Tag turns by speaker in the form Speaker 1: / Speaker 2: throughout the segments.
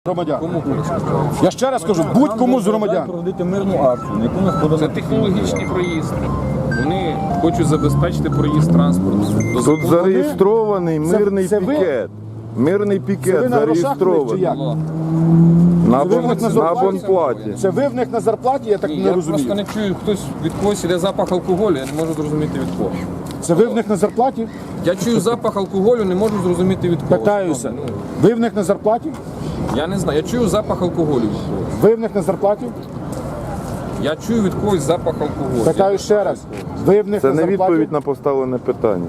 Speaker 1: Громадян.
Speaker 2: Кому хочеш?
Speaker 1: Я ще раз кажу, будь-кому з громадян.
Speaker 3: Проводити мирну акцію, на яку нас
Speaker 2: Це технологічний проїзд. Вони хочуть забезпечити проїзд транспорту.
Speaker 4: Тут зареєстрований мирний
Speaker 1: це ви?
Speaker 4: пікет. Мирний
Speaker 1: Це
Speaker 4: пікет
Speaker 1: ви на грошах в них чи
Speaker 4: зареєстрований.
Speaker 1: як?
Speaker 4: На
Speaker 1: Це ви в них на зарплаті?
Speaker 4: абонплаті.
Speaker 1: Це ви в них на зарплаті, я так
Speaker 2: Ні,
Speaker 1: не
Speaker 2: я просто
Speaker 1: розумію.
Speaker 2: не чую, хтось від когось іде запах алкоголю, я не можу зрозуміти від кого.
Speaker 1: Це ви в них на зарплаті?
Speaker 2: Я чую запах алкоголю, не можу зрозуміти від кого.
Speaker 1: Питаюся.
Speaker 2: Ну,
Speaker 1: Ви в них на зарплаті?
Speaker 2: я не знаю, я чую запах алкоголю від когось.
Speaker 1: Ви в них на зарплаті?
Speaker 2: Я чую від когось запах алкоголю.
Speaker 1: Питаю ще раз. Ви в них
Speaker 4: Це
Speaker 1: на
Speaker 4: не
Speaker 1: зарплаті?
Speaker 4: відповідь на поставлене питання.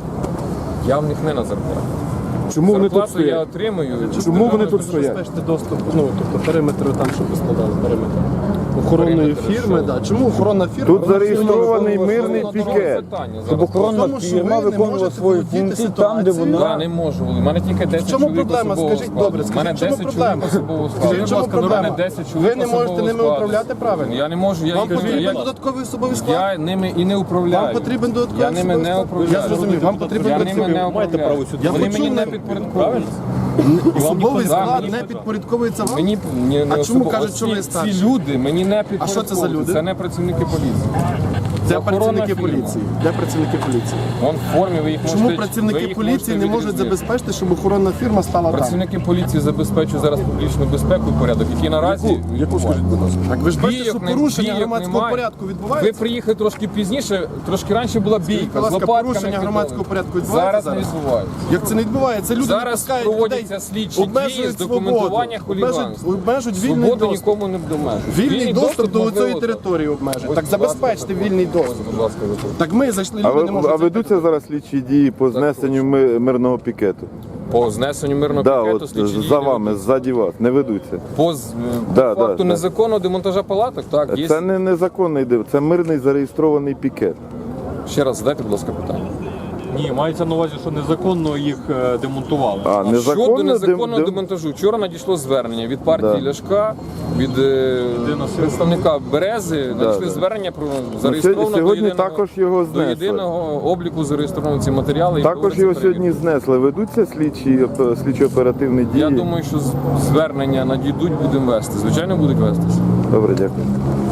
Speaker 2: Я в них не на зарплаті.
Speaker 1: Чому вони тут
Speaker 2: Зарплату я
Speaker 1: стоять?
Speaker 2: отримую.
Speaker 1: Чому вони тут стоять?
Speaker 5: Забезпечити доступ, тобто периметр там, щоб ви складали периметр охоронної фірми. Да. Чому охоронна фірма?
Speaker 4: Тут
Speaker 5: Вона
Speaker 4: зареєстрований
Speaker 5: фірма
Speaker 4: мирний
Speaker 5: виконує
Speaker 4: пікет.
Speaker 3: Щоб охоронна
Speaker 5: Тому що
Speaker 3: фірма
Speaker 5: ви не
Speaker 3: виконувала
Speaker 5: можете
Speaker 3: свої
Speaker 5: володіти
Speaker 3: функції там, де
Speaker 5: ситуацією.
Speaker 3: вона...
Speaker 2: Я не можу. У мене тільки 10
Speaker 5: В чому
Speaker 2: чоловік
Speaker 5: проблема?
Speaker 2: особового
Speaker 5: Скажіть,
Speaker 2: складу.
Speaker 5: добре,
Speaker 2: У мене
Speaker 5: скажіть, в
Speaker 2: 10
Speaker 5: чому
Speaker 2: чоловік
Speaker 5: проблема?
Speaker 2: особового складу.
Speaker 5: Скажіть, в чому
Speaker 2: Будь ласка,
Speaker 5: проблема?
Speaker 2: у мене 10 чоловік
Speaker 5: Ви не можете
Speaker 2: особового
Speaker 5: ними
Speaker 2: складу.
Speaker 5: управляти правильно?
Speaker 2: Я не можу.
Speaker 5: Вам потрібен додатковий особовий склад?
Speaker 2: Я ними і не управляю.
Speaker 5: Вам потрібен додатковий
Speaker 2: Я ними не
Speaker 5: особовий склад?
Speaker 2: управляю.
Speaker 5: Я зрозумів, вам потрібен
Speaker 2: Я ними не
Speaker 5: працівник.
Speaker 2: управляю.
Speaker 5: Я
Speaker 2: Вони
Speaker 5: почув,
Speaker 2: мені не
Speaker 5: не-
Speaker 2: підпорядковуються.
Speaker 5: Особовий
Speaker 2: Да,
Speaker 5: склад
Speaker 2: мені
Speaker 5: не підпорядковується вам?
Speaker 2: Мені не
Speaker 5: А чому
Speaker 2: особо-
Speaker 5: кажуть,
Speaker 2: ось
Speaker 5: що ви
Speaker 2: ці
Speaker 5: старші?
Speaker 2: люди мені не
Speaker 5: А що це за люди?
Speaker 2: Це не працівники поліції.
Speaker 5: Де
Speaker 2: охоронна
Speaker 5: працівники
Speaker 2: фірма.
Speaker 5: поліції? Де працівники поліції?
Speaker 2: Вон в формі ви їх
Speaker 5: Чому
Speaker 2: можете. ви
Speaker 5: працівники
Speaker 2: їх
Speaker 5: поліції не
Speaker 2: можете
Speaker 5: можуть
Speaker 2: відрізнити.
Speaker 5: забезпечити, щоб охоронна фірма стала там?
Speaker 2: Працівники поліції забезпечують зараз публічну безпеку і порядок, який наразі
Speaker 1: Яку скажіть, будь ласка?
Speaker 5: Так ви ж бачите, що
Speaker 2: бійок не-
Speaker 5: порушення
Speaker 2: бійок
Speaker 5: громадського
Speaker 2: немає.
Speaker 5: порядку
Speaker 2: Ви
Speaker 5: відбувається?
Speaker 2: приїхали трошки пізніше, трошки раніше була бійка.
Speaker 5: будь ласка,
Speaker 2: з лопатками
Speaker 5: порушення
Speaker 2: кидали.
Speaker 5: громадського порядку відбувається
Speaker 2: Зараз не
Speaker 5: зараз?
Speaker 2: відбувається.
Speaker 5: Як це не відбувається? Люди не
Speaker 2: Зараз
Speaker 5: пускають людей,
Speaker 2: проводяться слідчі дії з
Speaker 5: обмежують
Speaker 2: документування
Speaker 5: свободу, обмежують
Speaker 2: хуліганства.
Speaker 5: обмежують вільний
Speaker 2: Свободу
Speaker 5: доступ.
Speaker 2: нікому не обмежують.
Speaker 5: Вільний доступ до
Speaker 2: можливо,
Speaker 5: цієї території обмежують.
Speaker 2: Ось,
Speaker 5: Так
Speaker 2: будь ласка,
Speaker 5: забезпечте вільний доступ.
Speaker 2: Будь ласка, виходьте.
Speaker 5: Так ми зайшли,
Speaker 4: А,
Speaker 5: люди не можуть.
Speaker 4: а ведуться зараз слідчі дії по знесенню мирного пікету?
Speaker 2: По знесенню мирного
Speaker 4: Да,
Speaker 2: пакету
Speaker 4: от
Speaker 2: слідчі дії
Speaker 4: за
Speaker 2: не
Speaker 4: вами,
Speaker 2: ведуться.
Speaker 4: ззаді вас, не ведуться.
Speaker 2: По
Speaker 4: Да,
Speaker 2: факту
Speaker 4: да.
Speaker 2: незаконного демонтажа палаток, так, є.
Speaker 4: Це не незаконний див, це мирний зареєстрований пікет.
Speaker 2: Ще раз задайте, будь ласка, питання.
Speaker 6: Ні, мається на увазі, що незаконно їх демонтували.
Speaker 4: А
Speaker 2: Щодо
Speaker 4: незаконно
Speaker 2: незаконного демонтажу, вчора надійшло звернення від партії
Speaker 4: Да.
Speaker 2: Ляшка, від представника Берези, надійшли
Speaker 4: да.
Speaker 2: звернення про зареєстровано
Speaker 4: сьогодні також його
Speaker 2: до
Speaker 4: знесли.
Speaker 2: єдиного обліку зареєстровано ці матеріали. і
Speaker 4: Також
Speaker 2: проводиться
Speaker 4: його
Speaker 2: перевірка.
Speaker 4: сьогодні знесли. Ведуться слідчо-оперативні дії?
Speaker 2: Я думаю, що звернення надійдуть, будемо вести. Звичайно, будуть вестися.
Speaker 4: Добре, дякую.